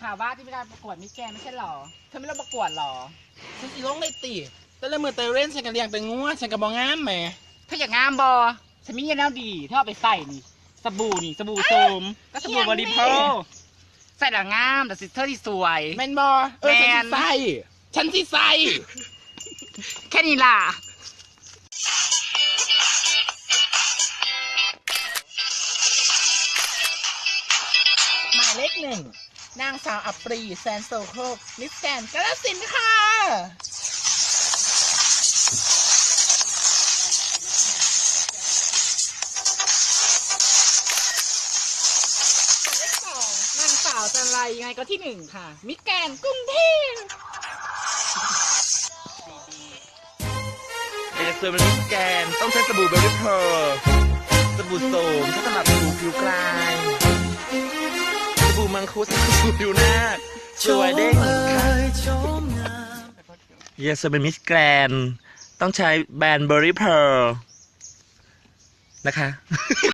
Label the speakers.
Speaker 1: ข่าวว่าที่มีการประกวดมิสแกรนด์ไม่ใช่หรอเธอไม่ต้องประกวดหรอ
Speaker 2: ฉันสิลงเลยติแต่ละมือเตยเล่นฉันก็เลี้ยงแต่งัวฉันก็บ่งามแหม
Speaker 1: เธออยากงามบอฉันมีเงินแล้วดีเธอเอาไปใส่นี่สบู่โสมก็สบู่บริโภคใส่แล้วงามแต่เธอที่สวย
Speaker 2: แมนบอฉันสิใส่
Speaker 1: แค่นี้ล่ะ
Speaker 2: หมายเลขหนึ่งนางสาวอัปรีแซนโซโคกมิสแกรนด์กาฬสินธุ์ค่ะ
Speaker 1: นางสาวจันไรยังไงก็ที่หนึ่งค่ะมิสแกรนด์กรุงเทพ
Speaker 3: เอเซอร์มันมิสแกนต้องใช้สบู่เบลลี่เพอร์สบู่โสมใช้สำหรับผิวกลายสบู่มังคุดสบู่ผิวหน้าสวยเด้งเยสเป็นมิสแกรนต้องใช้แบรนด์เบอร์รี่เพอร์นะคะ